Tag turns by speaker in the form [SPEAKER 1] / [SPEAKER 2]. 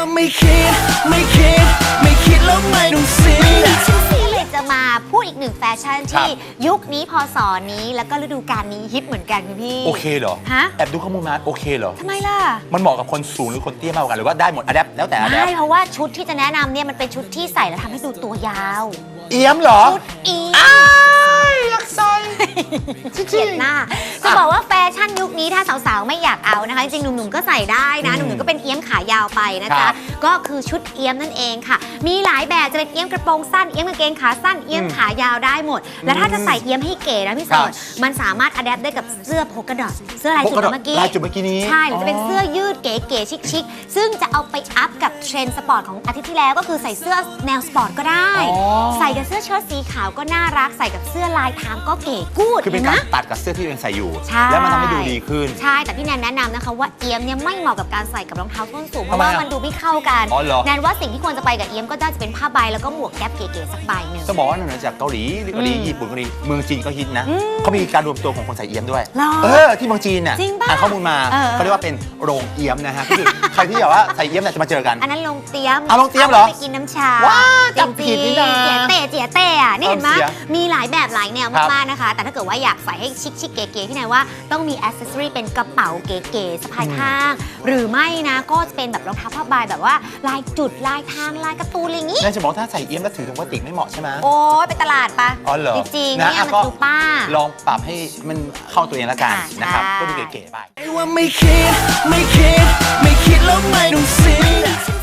[SPEAKER 1] ไม่คิดแล้วไม่ต้องเสีย
[SPEAKER 2] จะมาพูดอีกหนึ่งแฟชั่นที่ยุคนี้พศนี้แล้วก็ฤดูกาลนี้ฮิตเหมือนกันคุณพี่
[SPEAKER 3] โอเคเหรอ
[SPEAKER 2] ฮะ
[SPEAKER 3] แอบดูข้อมูลมาโอเคเหรอ
[SPEAKER 2] ทำไมล่ะ
[SPEAKER 3] มันเหมาะกับคนสูงหรือคนเตี้ยมากกว่ากันหรือว่าได้หมดอะแดปแล้วแต่อะแดป
[SPEAKER 2] ใช่เพราะว่าชุดที่จะแนะนำเนี่ยมันเป็นชุดที่ใส่แล้วทำให้ดูตัวยาว
[SPEAKER 3] เอี้ยมเหรอ
[SPEAKER 2] ชุดเอี้ยม
[SPEAKER 3] อยากใส่
[SPEAKER 2] เขียนหน้าจะบอกว่าแฟชั่นยุคนี้ถ้าสาวๆไม่อยากเอานะคะจริงๆหนุ่มๆก็ใส่ได้นะหนุ่มๆก็เป็นเอี้ยมขายาวไปนะจ๊ะก็คือชุดเอี้ยมนั่นเองค่ะมีหลายแบบจะเป็นเอี้ยมกระโปรงสั้นเอี้ยมกางเกงขาสั้นเอี้ยมขายาวได้หมดแล้วถ้าจะใส่เอี้ยมให้เก๋นะพี่สอนมันสามารถอัดแอปได้กับเสื้อโพกดอทเสื้อลายจุดเมื่อกี้
[SPEAKER 3] นี้
[SPEAKER 2] ใช่หรือจะเป็นเสื้อยืดเก๋ๆชิคๆซึ่งจะเอาไปอัพกับเทรนด์สปอร์ตของอาทิตย์ที่แล้วก็คือใส่เสื้อแนวสปอร์ตก็ได้ใส่กับเสื้อเชิ้ตสีขาวก็น่ารักใส่กับเสื้อลายทางก็เก๋กูด
[SPEAKER 3] คือเป็นการตัดกับเสื้อที่ตัวเองใส่อยู่
[SPEAKER 2] แ
[SPEAKER 3] ล้วมันทำให้ดูดีขึ้น
[SPEAKER 2] ใช่แต่พี่แนนแนะนำนะคะว่าเอี้ยมเนี่ยไม่เหมาะกับการใส่กับรองเท้าส้นสูงเพราะว่ามันดูไม่เข้ากันแนนว่าสิ่งที่ควรจะไปกับเอี้ยมก็น่าจะเป็นผ้าใบแล้วก็หมวกแก๊ปเก๋ๆสักใบหนึ่ง
[SPEAKER 3] จะบอกว่านอกเหนือจากเกาหลีญี่ปุ่นเกาหลีเมืองจีนก็ฮิตนะเขามีการรวมตัวของคนใส่เอี้ยมด้วยที่เมืองจีนน่ะอ่านข้อมูลมาเขาเรียกว่าเป็นโรงเอี้ยมนะฮะคือใครที่แบบว่าใส่เอี้ยมเนี่ยจะมาเจอกัน
[SPEAKER 2] อันนั้นโรงเตี้ยม
[SPEAKER 3] โรงเตี้ยมเหรอ
[SPEAKER 2] ไปกินน้ำชา
[SPEAKER 3] ว้าจับผิดนี่นะ
[SPEAKER 2] เจี๋ยเต้อะนี่เห็นไหมมีหลายแบบหลายแนวมากๆนะคะแต่ถ้าเกิดว่าอยากใส่ให้ชิคๆเก๋ๆที่ไหนว่าต้องมีอ c เซสซอรี่เป็นกระเป๋าเก๋ๆสะพายข้างหรือไม่นะก็จะเป็นแบบรองเท้าผ้าใบแบบว่าลายจุดลายทางลายการ์ตูนอะไรอย่างงี้
[SPEAKER 3] น่าจะบอกถ้าใส่เอี้ยมแล้วถือถุงพลาสติกไม่เหมาะใช่ไหม
[SPEAKER 2] โอ้ยไปตลาดปะ
[SPEAKER 3] อ๋อเหรอ
[SPEAKER 2] จริงๆเนี่ยมันดูป้า
[SPEAKER 3] ลองปรับให้มันเข้าตัวเองแล้วกันนะครับก็ดูเก๋ๆไป
[SPEAKER 1] ว่าไม่คิดแล้วไม่ต้องเสีย